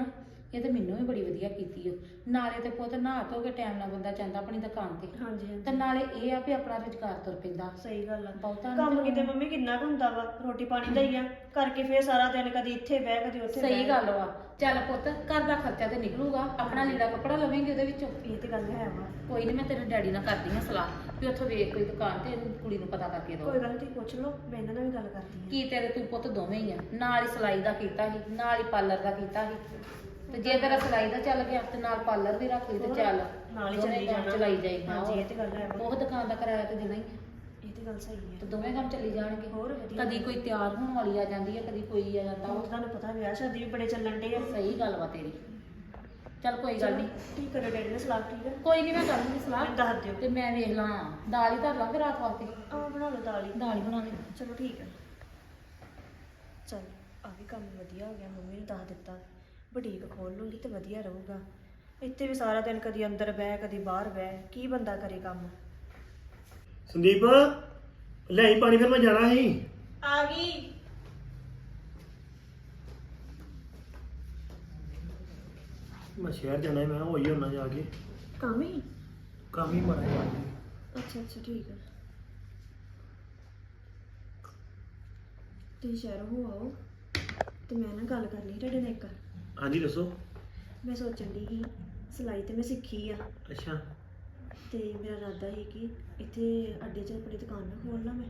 ਇਹ ਤਾਂ ਮੈਨੂੰ ਵੀ ਬੜੀ ਵਧੀਆ ਕੀਤੀ ਓ। ਨਾਲੇ ਤੇ ਪੁੱਤ ਨਹਾ ਧੋ ਕੇ ਟਾਈਮ ਨਾਲ ਬੰਦਾ ਜਾਂਦਾ ਆਪਣੀ ਦੁਕਾਨ ਤੇ, ਹਾਂਜੀ ਤੇ ਹਾਂਜੀ ਨਾਲੇ ਇਹ ਆ ਵੀ ਆਪਣਾ ਰੁਜ਼ਗਾਰ ਤੁਰ ਪੈਂਦਾ। ਸਹੀ ਗੱਲ ਆ। ਬਹੁਤਾ ਕੰਮ ਕਿਤੇ ਮੰਮੀ ਕਿੰਨਾ ਕੁ ਹੁੰਦਾ ਵਾ, ਰੋਟੀ ਪਾਣੀ ਦਾ ਹੀ ਆ, ਕਰਕੇ ਫੇਰ ਸਾਰਾ ਦਿਨ ਕਦੀ ਇੱਥੇ ਬਹਿ ਕਦੀ ਉੱਥੇ ਸਹੀ ਬਹਿ। ਗੱਲ ਵਾ। ਚੱਲ ਪੁੱਤ ਘਰ ਦਾ ਖਰਚਾ ਤੇ ਨਿਕਲੂਗਾ, ਆਪਣਾ ਲੀੜਾ ਕੱਪੜਾ ਲਵੇਂਗੇ ਉਹਦੇ ਵਿੱਚੋਂ। ਇਹ ਤੇ ਗੱਲ ਹੈ ਵਾ। ਕੋਈ ਨਹੀਂ, ਮੈਂ ਤੇਰੇ ਡੈਡੀ ਨਾਲ ਕਰਦੀ ਹਾਂ ਸਲਾਹ ਵੀ ਉੱਥੋਂ ਵੇਖ ਕੋਈ ਦੁਕਾਨ ਤੇ ਇਹਨੂੰ ਕੁੜੀ ਨੂੰ ਪਤਾ ਕਰਕੇ ਦੋ। ਕੋਈ ਗੱਲ ਨੀ, ਤੁਸੀਂ ਪੁੱਛ ਲਓ, ਮੈਂ ਇਹਨਾਂ ਨਾਲ ਵੀ ਗੱਲ ਕਰਦੀ ਹਾਂ। ਕੀ ਤੇਰੇ ਤੂੰ ਪੁੱਤ ਦੋਵੇਂ ਹੀ ਆ, ਨਾਲ ਹੀ ਸਿਲਾਈ ਦਾ ਕੀਤਾ ਸੀ, ਨਾਲ ਹੀ ਪਾਰਲਰ ਦਾ ਕੀਤਾ ਸੀ, ਤੇ ਜੇ ਤੇਰਾ ਸਿਲਾਈ ਦਾ ਚੱਲ ਗਿਆ ਤੇ ਨਾਲ ਪਾਰਲਰ ਦੀ ਰੱਖ ਲਈ ਤੇ ਚੱਲ ਨਾਲ ਹੀ ਦੋਵੇਂ ਚੱਲੀ ਕੰਮ ਜਾਣਾ। ਚਲਾਈ ਜਾਈ। ਹਾਂਜੀ, ਇਹ ਤੇ ਗੱਲ ਹੈ ਵਾ। ਉਹ ਦੁਕਾਨ ਦਾ ਕਿਰਾਇਆ ਤੇ ਦੇਣਾ ਹੀ ਆ, ਇਹ ਤੇ ਗੱਲ ਸਹੀ ਹੈ। ਤੇ ਦੋਵੇਂ ਕੰਮ ਚੱਲੀ ਜਾਣਗੇ। ਹੋਰ ਵਧੀਆ। ਕਦੀ ਕੋਈ ਤਿਆਰ ਹੋਣ ਵਾਲੀ ਆ ਜਾਂਦੀ ਹੈ, ਕਦੀ ਕੋਈ ਆ ਜਾਂਦਾ ਹੁਣ ਵਾ। ਤੁਹਾਨੂੰ ਪਤਾ ਵਿਆਹ ਸ਼ਾਦੀ ਵੀ ਬੜੇ ਚੱਲਣ ਡੇ ਆ। ਸਹੀ ਗੱਲ ਵਾ ਤੇਰੀ। ਚੱਲ ਕੋਈ ਗੱਲ ਨਹੀਂ, ਠੀਕ ਕਰਿਓ ਡੈਡੀ ਨੇ ਸਲਾਹ, ਠੀਕ ਹੈ। ਕੋਈ ਨਹੀਂ, ਮੈਂ ਕਰ ਲੂੰਗੀ ਸਲਾਹ ਮੈਨੂੰ ਦੱਸ ਦਿਓ। ਤੇ ਮੈਂ ਵੇਖ ਲਾਂ ਦਾਲ ਹੀ ਧਰ ਲਾਂ ਫਿਰ ਰਾਤ ਵਾਸਤੇ। ਆਹ ਬਣਾ ਲਓ ਦਾਲ ਹੀ। ਦਾਲ ਹੀ ਬਣਾ ਲਈ। ਚਲੋ ਠੀਕ ਹੈ। ਚਲ ਆ ਵੀ ਕੰਮ ਵਧੀਆ ਹੋ ਗਿਆ, ਮੰਮੀ ਨੂੰ ਦੱਸ ਦਿੱਤਾ। ਬੁਟੀਕ ਖੋਲ ਲੂੰਗੀ ਤੇ ਵਧੀਆ ਰਹੂਗਾ। ਇੱਥੇ ਵੀ ਸਾਰਾ ਦਿਨ ਕਦੀ ਅੰਦਰ ਬਹਿ ਕਦੀ ਬਾਹਰ ਬਹਿ, ਕੀ ਬੰਦਾ ਕਰੇ ਕੰਮ। ਸੰਦੀਪ ਲੈ ਪਾਣੀ, ਫਿਰ ਮੈਂ ਜਾਣਾ ਸੀ। ਆ ਗਈ। ਮੈਂ ਸ਼ਹਿਰ ਜਾਣਾ, ਮੈਂ ਹੋਈ ਹੋਣਾ ਜਾ ਕੇ, ਕੰਮ ਹੀ। ਕੰਮ ਹੀ ਮਾੜਾ ਜਿਹਾ। ਅੱਛਾ ਅੱਛਾ ਠੀਕ ਹੈ। ਤੁਸੀਂ ਸ਼ਹਿਰ ਹੋ ਆਓ ਤੇ ਮੈਂ ਨਾ ਗੱਲ ਕਰਨੀ ਤੁਹਾਡੇ ਨਾਲ ਇੱਕ। ਹਾਂਜੀ ਦੱਸੋ। ਮੈਂ ਸੋਚਣ ਦੀ ਸੀ, ਸਿਲਾਈ ਤੇ ਮੈਂ ਸਿੱਖੀ ਆ, ਅੱਛਾ, ਤੇ ਮੇਰਾ ਇਰਾਦਾ ਸੀ ਕਿ ਇੱਥੇ ਅੱਡੇ 'ਚ ਆਪਣੀ ਦੁਕਾਨ ਨਾ ਖੋਲ ਲਾਂ ਮੈਂ।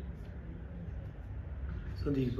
ਸੰਦੀਪ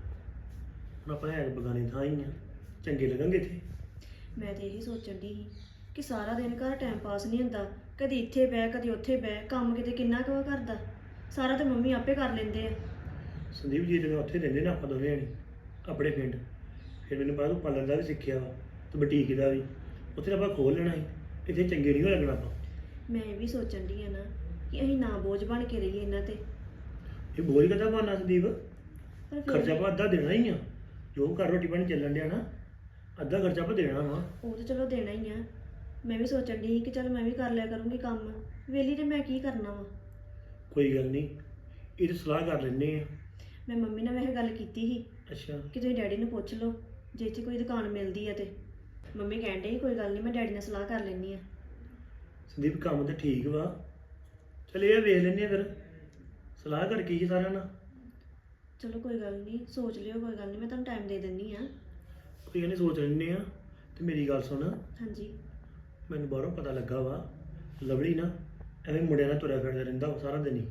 ਹੁਣ ਆਪਾਂ ਹੈ ਬਗਾਨੇ ਥਾਂ ਹੀ ਆ, ਚੰਗੇ ਲੱਗਣਗੇ ਇੱਥੇ। ਮੈਂ ਤੇ ਇਹੀ ਸੋਚਣ ਦੀ ਸੀ ਕਿ ਸਾਰਾ ਦਿਨ ਘਰ ਟਾਈਮ ਪਾਸ ਨਹੀਂ ਹੁੰਦਾ, ਕਦੀ ਇੱਥੇ ਬਹਿ ਕਦੀ ਉੱਥੇ ਬਹਿ, ਕੰਮ ਕਿਤੇ ਕਿੰਨਾ ਕੁ ਕਰਦਾ, ਸਾਰਾ ਤਾਂ ਮੰਮੀ ਆਪੇ ਕਰ ਲੈਂਦੇ ਆ। ਸੰਦੀਪ ਜੀ ਤੇ ਮੈਂ ਉੱਥੇ ਰਹਿੰਦੇ ਨਾ ਆਪਾਂ ਦੋਵੇਂ ਜਣੇ ਆਪਣੇ ਪਿੰਡ, ਫਿਰ ਮੈਨੂੰ ਪਤਾ ਤੂੰ ਪਾਰਲਰ ਦਾ ਵੀ ਸਿੱਖਿਆ ਵਾ ਤੇ ਬੁਟੀਕ ਦਾ ਵੀ, ਉੱਥੇ ਆਪਾਂ ਖੋਲ ਲੈਣਾ ਸੀ। ਇੱਥੇ ਚੰਗੇ ਨਹੀਂ ਹੋ ਲੱਗਣਾ ਆਪਾਂ। ਮੈਂ ਇਹ ਵੀ ਸੋਚਣ ਦੀ ਆ ਨਾ ਕਿ ਅਸੀਂ ਨਾ ਬੋਝ ਬਣ ਕੇ ਰਹੀਏ ਇਹਨਾਂ ਤੇ। ਇਹ ਬੋਝ ਕਦਾ ਬਣਨਾ ਸੰਦੀਪ, ਪਰ ਫਿਰ ਖਰਚਾ ਆਪਾਂ ਅੱਧਾ ਦੇਣਾ ਹੀ ਆ, ਜੋ ਘਰ ਰੋਟੀ ਪਾਣੀ ਚੱਲਣ ਡਿਆ ਨਾ, ਅੱਧਾ ਖਰਚਾ ਆਪਾਂ ਦੇਣਾ ਵਾ। ਉਹ ਤਾਂ ਚਲੋ ਦੇਣਾ ਹੀ ਆ। ਮੈਂ ਵੀ ਸੋਚਣ ਦੀ ਸੀ ਕਿ ਚਲ ਮੈਂ ਵੀ ਕਰ ਲਿਆ ਕਰੂੰਗੀ ਕੰਮ, ਵੇਲੀ ਤੇ ਮੈਂ ਕੀ ਕਰਨਾ ਵਾ। ਕੋਈ ਗੱਲ ਨਹੀਂ, ਇਹ ਤਾਂ ਸਲਾਹ ਕਰ ਲੈਂਦੇ ਆ। ਮੈਂ ਮੰਮੀ ਨਾਲ ਵੈਸੇ ਗੱਲ ਕੀਤੀ ਸੀ ਅੱਛਾ, ਕਿ ਤੁਸੀਂ ਡੈਡੀ ਨੂੰ ਪੁੱਛ ਲਓ ਜੇ ਇੱਥੇ ਕੋਈ ਦੁਕਾਨ ਮਿਲਦੀ ਆ ਤੇ। ਮੰਮੀ ਕਹਿਣ ਡਈ ਕੋਈ ਗੱਲ ਨਹੀਂ, ਮੈਂ ਡੈਡੀ ਨਾਲ ਸਲਾਹ ਕਰ ਲੈਂਦੀ ਆ। ਸੰਦੀਪ ਕੰਮ ਤਾਂ ਠੀਕ ਵਾ, ਚਲ ਇਹ ਵੇਖ ਲੈਂਦੇ ਆ ਫਿਰ, ਸਲਾਹ ਕਰਕੇ ਹੀ ਸਾਰਿਆਂ ਨਾਲ। ਚਲੋ ਕੋਈ ਗੱਲ ਨਹੀਂ, ਸੋਚ ਲਿਓ, ਕੋਈ ਗੱਲ ਨਹੀਂ, ਮੈਂ ਤੁਹਾਨੂੰ ਟਾਈਮ ਦੇ ਦਿੰਦੀ ਆ। ਕੋਈ ਗੱਲ ਨਹੀਂ, ਸੋਚ ਲੈਂਦੇ ਆ। ਤੇ ਮੇਰੀ ਗੱਲ ਸੁਣ, ਹਾਂਜੀ। ਮੈਨੂੰ ਬਾਹਰੋਂ ਪਤਾ ਲੱਗਾ ਵਾ ਲਵਲੀ ਨਾ ਐਵੇਂ ਮੁੰਡਿਆਂ ਨਾਲ ਤੁਰਿਆ ਫਿਰਦਾ ਰਹਿੰਦਾ ਵਾ ਸਾਰਾ ਦਿਨ ਹੀ,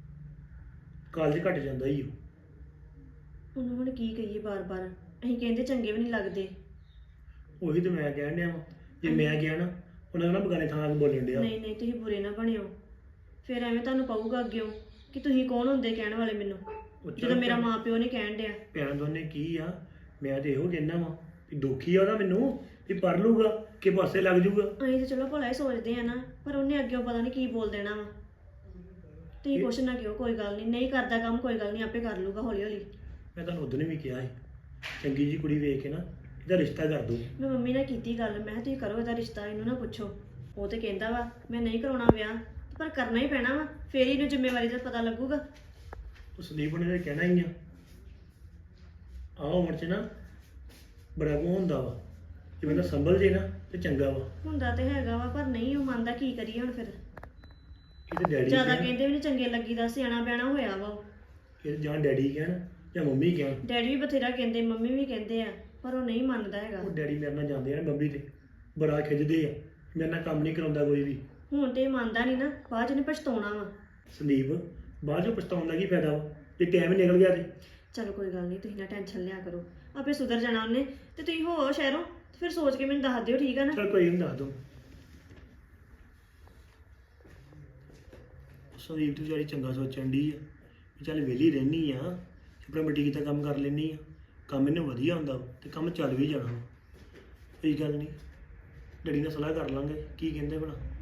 ਕਾਲਜ ਘੱਟ ਜਾਂਦਾ ਹੀ ਉਹ। ਉਹਨੂੰ ਹੁਣ ਕੀ ਕਹੀਏ ਬਾਰ-ਬਾਰ, ਅਸੀਂ ਕਹਿੰਦੇ ਚੰਗੇ ਵੀ ਨਹੀਂ ਲੱਗਦੇ। ਉਹੀ ਤੇ ਮੈਂ ਕਹਿਣ ਡਿਆ ਵਾ, ਜੇ ਮੈਂ ਗਿਆ ਨਾ ਉਹਨਾਂ ਨਾਲ ਬਗਾਨੇ ਥਾਂ 'ਤੇ ਬੋਲਣ ਡਿਆ। ਨਹੀਂ ਨਹੀਂ, ਤੁਸੀਂ ਬੁਰੇ ਨਾ ਬਣਿਓ, ਫਿਰ ਐਵੇਂ ਤੁਹਾਨੂੰ ਪਊਗਾ ਅੱਗਿਓ ਕਿ ਤੁਸੀਂ ਕੌਣ ਹੁੰਦੇ ਕਹਿਣ ਵਾਲੇ ਮੈਨੂੰ, ਉਹ ਚੱਲ ਜਦੋਂ ਮੇਰਾ ਮਾਂ ਪਿਓ ਨੇ ਕਹਿਣ ਡਿਆ। ਭੈਣ ਦੋਨੇ ਕੀ ਆ, ਮੈਂ ਤੇ ਇਹੋ ਕਹਿਣਾ ਵਾ ਵੀ ਦੁਖੀ ਆ ਉਹਦਾ ਮੈਨੂੰ, ਵੀ ਪੜ ਲੂਗਾ ਕਿ ਪਾਸੇ ਲੱਗ ਜੂਗਾ। ਅਸੀਂ ਤਾਂ ਚਲੋ ਭਲਾ ਹੀ ਸੋਚਦੇ ਆ ਨਾ, ਪਰ ਉਹਨੇ ਅੱਗਿਓ ਪਤਾ ਨਹੀਂ ਕੀ ਬੋਲ ਦੇਣਾ ਵਾ। ਤੁਸੀਂ ਕੁਛ ਨਾ ਕਿਹੋ, ਕੋਈ ਗੱਲ ਨਹੀਂ, ਨਹੀਂ ਕਰਦਾ ਕੰਮ ਕੋਈ ਗੱਲ ਨਹੀਂ, ਆਪੇ ਕਰ ਲੂਗਾ ਹੌਲੀ ਹੌਲੀ। ਮੈਂ ਤੁਹਾਨੂੰ ਉਦੋਂ ਵੀ ਕਿਹਾ ਸੀ, ਚੰਗੀ ਜੀ ਕੁੜੀ ਵੇਖ ਕੇ ਨਾ ਇਹਦਾ ਰਿਸ਼ਤਾ ਕਰ ਦੋ। ਮੈਂ ਮੰਮੀ ਨਾਲ ਕੀਤੀ ਗੱਲ, ਮੈਂ ਕਿਹਾ ਤੁਸੀਂ ਕਰੋ ਇਹਦਾ ਰਿਸ਼ਤਾ, ਇਹਨੂੰ ਨਾ ਪੁੱਛੋ। ਉਹ ਤੇ ਕਹਿੰਦਾ ਵਾ ਮੈਂ ਨਹੀਂ ਕਰਾਉਣਾ ਵਿਆਹ, ਪਰ ਕਰਨਾ ਹੀ ਪੈਣਾ ਵਾ, ਫੇਰ ਹੀ ਇਹਨੂੰ ਜ਼ਿੰਮੇਵਾਰੀ ਦਾ ਪਤਾ ਲੱਗੂਗਾ। ਉਹ ਸੰਦੀਪ ਨੇ ਤਾਂ ਕਹਿਣਾ ਹੀ ਆ, ਆਹ ਉਮਰ 'ਚ ਨਾ ਬੜਾ ਕੋ ਹੁੰਦਾ ਵਾ, ਜੇ ਬੰਦਾ ਸੰਭਲ ਜੇ ਨਾ ਤੇ ਚੰਗਾ ਵਾ। ਹੁੰਦਾ ਤੇ ਹੈਗਾ ਵਾ, ਪਰ ਨਹੀਂ ਉਹ ਮੰਨਦਾ, ਕੀ ਕਰੀਏ ਹੁਣ ਫਿਰ। ਇਹ ਤੇ ਡੈਡੀ ਜ਼ਿਆਦਾ ਕਹਿਣ, ਕਹਿੰਦੇ ਵੀ ਨਹੀਂ ਚੰਗੇ ਲੱਗੀਦਾ, ਸਿਆਣਾ ਬਿਆਣਾ ਹੋਇਆ ਵਾ ਉਹ। ਇਹ ਤੇ ਜਾਂ ਡੈਡੀ ਕਹਿਣ ਜਾਂ ਮੰਮੀ ਕਹਿਣ। ਡੈਡੀ ਵੀ ਬਥੇਰਾ ਕਹਿੰਦੇ, ਮੰਮੀ ਵੀ ਕਹਿੰਦੇ ਆ, ਪਰ ਉਹ ਨਹੀਂ ਮੰਨਦਾ ਹੈਗਾ। ਉਹ ਡੈਡੀ ਮੇਰੇ ਨਾਲ ਜਾਂਦੇ ਆ ਨਾ ਬੰਬੀ ਤੇ, ਬੜਾ ਖਿੱਚਦੇ ਆ, ਮੇਰੇ ਨਾਲ ਕੰਮ ਨਹੀਂ ਕਰਾਉਂਦਾ ਕੋਈ ਵੀ। ਹੁਣ ਤੇ ਇਹ ਮੰਨਦਾ ਨਹੀਂ ਨਾ, ਬਾਅਦ ਚ ਇਹਨੇ ਪਛਤਾਉਣਾ ਵਾ। ਸੰਦੀਪ ਬਾਅਦ ਚੋਂ ਪਛਤਾਉਣ ਦਾ ਕੀ ਫਾਇਦਾ ਵਾ, ਜੇ ਟਾਈਮ ਹੀ ਨਿਕਲ ਗਿਆ ਤੇ। ਚਲੋ ਕੋਈ ਗੱਲ ਨਹੀਂ, ਤੁਸੀਂ ਨਾ ਟੈਨਸ਼ਨ ਲਿਆ ਕਰੋ, ਆਪੇ ਸੁਧਰ ਜਾਣਾ ਉਹਨੇ। ਤੇ ਤੁਸੀਂ ਹੋ ਸ਼ਹਿਰੋਂ ਤੇ ਫਿਰ ਸੋਚ ਕੇ ਮੈਨੂੰ ਦੱਸ ਦਿਓ, ਠੀਕ ਆ ਨਾ। ਚਲ ਕੋਈ ਨਹੀਂ, ਦੱਸ ਦੂੰ। ਸੰਦੀਪ ਤੂੰ ਵਿਚਾਰੀ ਚੰਗਾ ਸੋਚਣ ਡਈ ਆ ਵੀ ਚੱਲ ਵਿਹਲੀ ਰਹਿਣੀ ਆ, ਆਪਣਾ ਬੁਟੀਕ ਦਾ ਕੰਮ ਕਰ ਲੈਣੀ ਆ, ਕੰਮ ਇਹਨੂੰ ਵਧੀਆ ਹੁੰਦਾ ਵਾ ਤੇ ਕੰਮ ਚੱਲ ਵੀ ਜਾਣਾ ਵਾ। ਕੋਈ ਗੱਲ ਨਹੀਂ, ਡੈਡੀ ਨਾਲ ਸਲਾਹ ਕਰ ਲਾਂਗੇ ਕੀ ਕਹਿੰਦੇ ਭਲਾ।